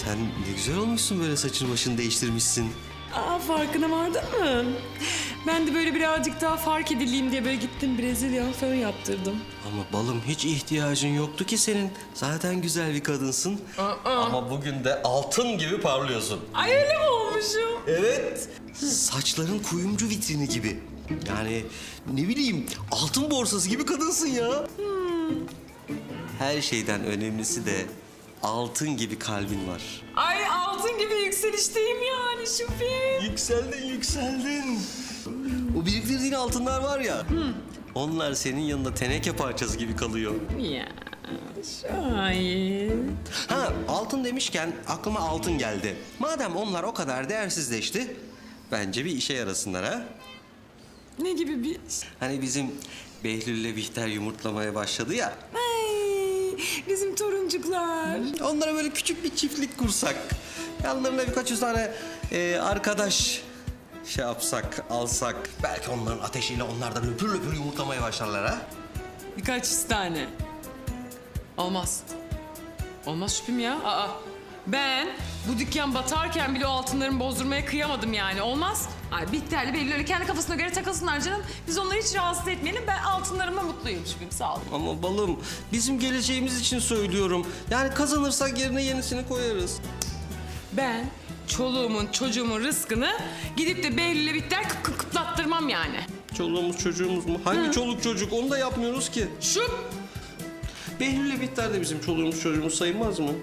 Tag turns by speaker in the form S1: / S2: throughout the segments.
S1: Sen ne güzel olmuşsun, böyle saçını başını değiştirmişsin.
S2: Aa, farkına vardın mı? Ben de böyle birazcık daha fark edileyim diye böyle gittim Brezilya fön yaptırdım.
S1: Ama balım, hiç ihtiyacın yoktu ki senin. Zaten güzel bir kadınsın. Ama bugün de altın gibi parlıyorsun.
S2: Ay, öyle mi olmuşum?
S1: Evet. Saçların kuyumcu vitrini gibi. Yani ne bileyim, altın borsası gibi kadınsın ya. Her şeyden önemlisi de altın gibi kalbin var.
S2: Ay, altın gibi yükselişteyim yani Şüphi.
S1: Yükseldin, yükseldin. O biriktirdiğin altınlar var ya, onlar senin yanında teneke parçası gibi kalıyor.
S2: Ya şahit.
S1: Ha, altın demişken aklıma altın geldi. Madem onlar o kadar değersizleşti, bence bir işe yarasınlar ha.
S2: Ne gibi bir...
S1: Hani bizim Behlül'le Bihter yumurtlamaya başladı ya.
S2: Ay, bizim toruncuklar.
S1: Onlara böyle küçük bir çiftlik kursak. Yanlarına birkaç yüz tane arkadaş şey yapsak, alsak. Belki onların ateşiyle onlar da löpür löpür yumurtlamaya başlarlar ha.
S2: Birkaç yüz tane. Olmaz. Olmaz Şüphim ya. Aa, ben bu dükkan batarken bile o altınlarımı bozdurmaya kıyamadım yani. Olmaz. Ay, Bihter'le Behlül öyle kendi kafasına göre takılsınlar canım. Biz onları hiç rahatsız etmeyelim. Ben altınlarımla mutluyum Şüphim. Sağ ol.
S1: Ama balım, bizim geleceğimiz için söylüyorum. Yani kazanırsak yerine yenisini koyarız.
S2: Ben çoluğumun çocuğumun rızkını gidip de Behlül'le Bihter kıplattırmam yani.
S1: Çoluğumuz çocuğumuz mu? Hangi çoluk çocuk? Onu da yapmıyoruz ki.
S2: Şu
S1: Behlül'le Bihter de bizim çoluğumuz çocuğumuz sayılmaz mı?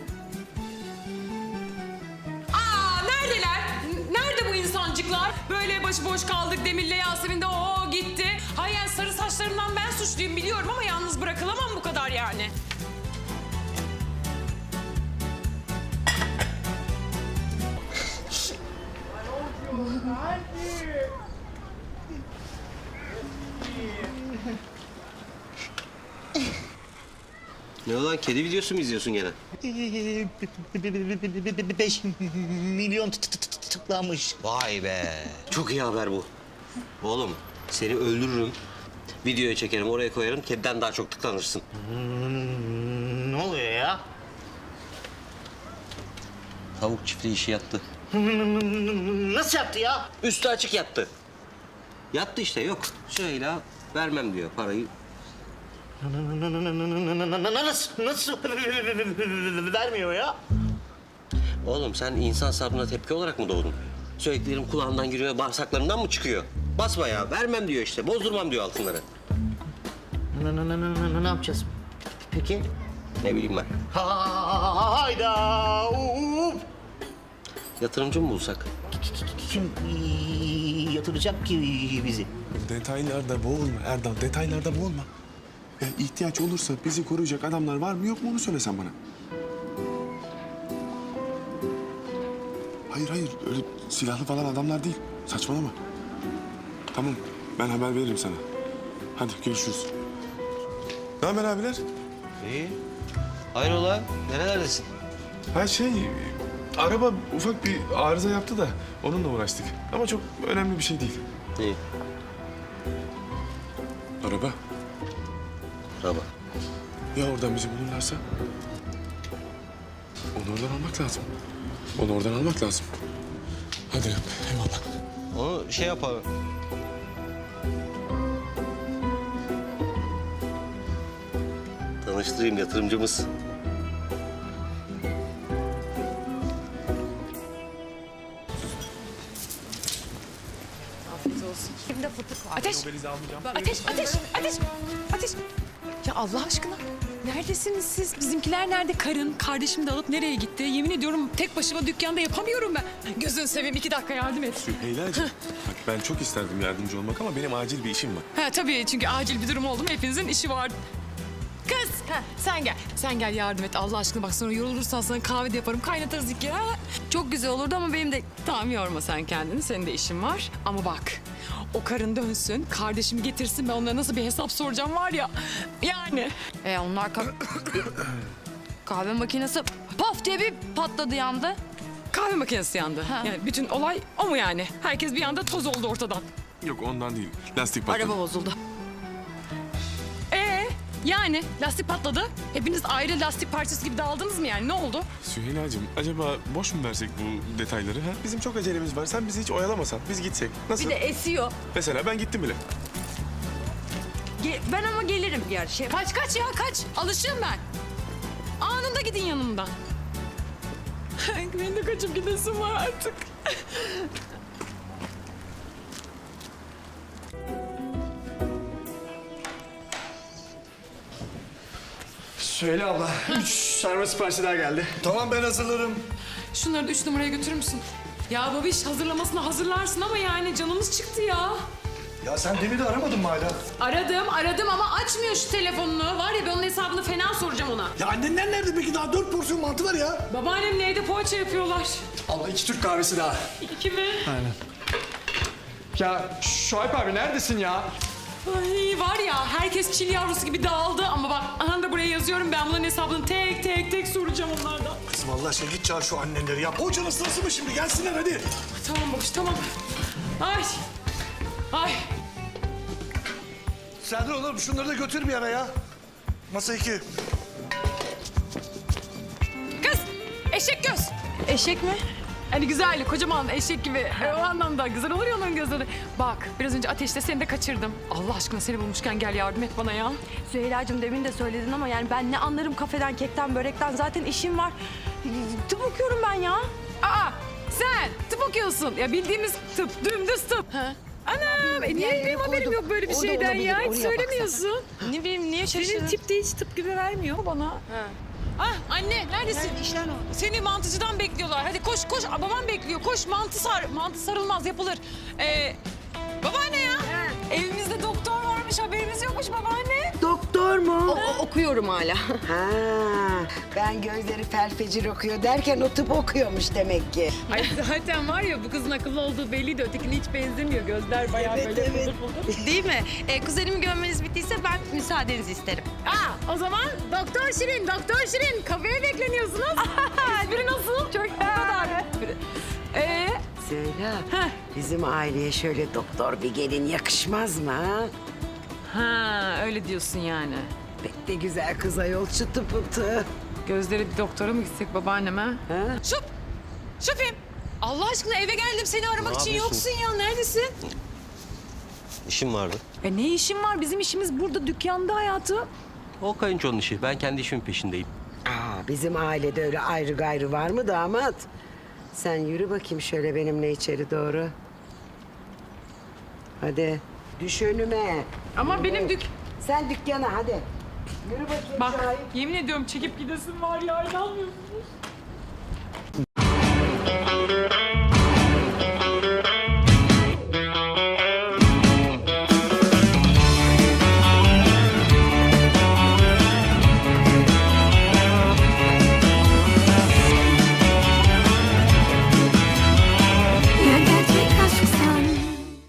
S2: Aa, neredeler? Nerede bu insancıklar? Böyle başıboş kaldık Demir'le Yasemin de o gitti. Hayır, yani sarı saçlarımdan ben suçluyum biliyorum ama yalnız bırakılamam bu kadar yani.
S1: Ne olan, kedi videosu mu izliyorsun gene?
S3: 5 milyon tıklanmış.
S1: Vay be. Çok iyi haber bu. Oğlum, seni öldürürüm. Videoya çekerim, oraya koyarım. Kediden daha çok tıklanırsın.
S3: Ne oluyor ya?
S1: Tavuk çiftliği işi yattı.
S3: Nasıl yaptı ya?
S1: Üstü açık yattı. Yattı işte, yok. Şöyle vermem diyor parayı.
S3: Nasıl vermiyor ya?
S1: Oğlum, sen insan sabrına tepki olarak mı doğdun? Söylediklerim kulağından giriyor, bağırsaklarından mı çıkıyor? Basma ya, vermem diyor işte. Bozdurmam diyor altınları.
S3: Ne yapacağız? Peki?
S1: Ne bileyim ben.
S3: Hayda!
S1: Yatırımcı mı bulsak?
S3: Kim yatıracak ki bizi?
S4: Detaylarda boğulma Erdal, detaylarda boğulma. İhtiyaç olursa bizi koruyacak adamlar var mı yok mu onu söylesen bana. Hayır hayır, öyle silahlı falan adamlar değil. Saçmalama. Tamam, ben haber veririm sana. Hadi görüşürüz. Ne haber abiler?
S1: İyi. Hayrola, nerelerdesin?
S4: Ha araba ufak bir arıza yaptı da onunla uğraştık. Ama çok önemli bir şey değil.
S1: İyi.
S4: Araba.
S1: Araba.
S4: Ya oradan bizi bulurlarsa? Onu oradan almak lazım. Onu oradan almak lazım. Hadi eyvallah.
S1: Onu şey yapalım. Tanıştırayım, yatırımcımız.
S2: Şimdi fıtık var. Ateş! Ateş! Ya Allah aşkına, neredesiniz siz? Bizimkiler nerede? Kardeşim de alıp nereye gitti? Yemin ediyorum tek başıma dükkanda yapamıyorum ben. Gözünü seveyim, 2 dakika yardım et.
S4: Süheyla'cığım, bak ben çok isterdim yardımcı olmak ama benim acil bir işim var.
S2: Ha tabii, çünkü acil bir durum oldu mu hepinizin işi var. Kız, sen gel. Sen gel yardım et Allah aşkına. Bak sonra yorulursan sana kahve de yaparım. Kaynatırız iki kere. Çok güzel olurdu ama benim de... Tamam, yorma sen kendini. Senin de işin var. Ama bak, o karın dönsün, kardeşimi getirsin. Ben onlara nasıl bir hesap soracağım var ya. Yani.
S5: Onlar kahve makinesi paf diye bir patladı yandı.
S2: Kahve makinesi yandı.
S5: Ha.
S2: Yani bütün olay o mu yani? Herkes bir anda toz oldu ortadan.
S4: Yok ondan değil, lastik patladı.
S5: Araba bozuldu.
S2: Yani lastik patladı. Hepiniz ayrı lastik parçası gibi dağıldınız mı yani? Ne oldu?
S4: Süheyla'cığım acaba boş mu versek bu detayları? Ha? Bizim çok acelemiz var. Sen bizi hiç oyalamasan. Biz gitsek. Nasıl?
S5: Bir de esiyor.
S4: Mesela ben gittim bile.
S5: Ben ama gelirim gerçi.
S2: Kaç ya kaç. Alışığım ben. Anında gidin yanımdan. Benim de kaçıp gidesim var artık.
S6: Söyle abla. 3 sarma siparişi daha geldi. Tamam ben hazırlarım.
S2: Şunları da 3 numaraya götürür müsün? Ya babiş hazırlamasını hazırlarsın ama yani canımız çıktı ya.
S6: Ya sen demin de aramadın mı hala?
S2: Aradım ama açmıyor şu telefonunu. Var ya ben onun hesabını fena soracağım ona.
S6: Ya annenler nerede peki? Daha 4 porsiyon mantı var ya.
S2: Babaannemle evde poğaça yapıyorlar.
S6: Abla 2 Türk kahvesi daha.
S2: İki mi?
S6: Aynen. Ya Şuayb abi neredesin ya?
S2: Ay var ya herkes çil yavrusu gibi dağıldı ama bak aha da buraya yazıyorum ben bunların hesabını tek soracağım onlardan.
S6: Kızım Allah aşkına git çağır şu annenleri ya. Poğaçanın sırası mı şimdi? Gelsinler hadi.
S2: Tamam babiş tamam. Ay.
S6: Serdar oğlum şunları da götür bir ara ya. Masa 2.
S2: Kız eşek göz.
S5: Eşek mi?
S2: Hani güzel, kocaman eşek gibi. O anlamda güzel olur ya onların gözleri. Bak, biraz önce ateşte seni de kaçırdım. Allah aşkına seni bulmuşken gel yardım et bana ya.
S5: Süheyla'cığım demin de söyledin ama yani ben ne anlarım kafeden, kekten, börekten. Zaten işim var. Tıp okuyorum ben ya.
S2: Aa, sen tıp okuyorsun. Ya bildiğimiz tıp, dümdüz tıp. Anam, niye benim haberim yok böyle bir şeyden ya? Hiç söylemiyorsun.
S5: Ne bileyim, niye şaşırdın?
S2: Senin tip de hiç tıp gibi vermiyor bana. Ah anne neredesin? Seni mantıcıdan bekliyorlar. Hadi koş koş. Aa, babam bekliyor. Koş mantı sar. Mantı sarılmaz yapılır. Babaanne ya. Evimizde doktor varmış haberimiz yokmuş babaanne.
S7: Doktor mu?
S5: Okuyorum hala.
S7: Ha, ben gözleri felfecir okuyor derken o tıp okuyormuş demek ki.
S2: Ay zaten var ya bu kızın akıllı olduğu belliydi. Ötekine hiç benzemiyor. Gözler bayağı böyle
S7: evet.
S2: fıldır.
S5: Değil mi? Kuzenimi görmeniz bittiyse ben müsaadenizi isterim.
S2: Aa, o zaman Doktor Şirin kafeye bekleniyorsunuz. Espri nasıl? Çok o kadar.
S7: Söyle,
S2: Heh.
S7: bizim aileye şöyle doktor bir gelin yakışmaz mı ha?
S2: Ha öyle diyorsun yani.
S7: Pek de güzel kız ayol çıtı pıtı.
S2: Gözleri bir doktora mı gitsek babaanneme?
S7: Ha?
S2: Şüphem. Allah aşkına eve geldim seni aramak
S1: Ne
S2: için
S1: yapıyorsun?
S2: yoksun ya. Neredesin?
S1: İşim vardı.
S2: Ne işin var? Bizim işimiz burada dükkanda hayatım.
S1: O kayınçonun işi. Ben kendi işimin peşindeyim.
S7: Aa, bizim ailede öyle ayrı gayrı var mı damat? Sen yürü bakayım şöyle benimle içeri doğru. Hadi düş önüme.
S2: Ama benim
S7: Sen dükkana hadi. Yürü bakayım
S2: Bak
S7: Şahip.
S2: yemin ediyorum çekip gidesin var ya inanmıyorsunuz.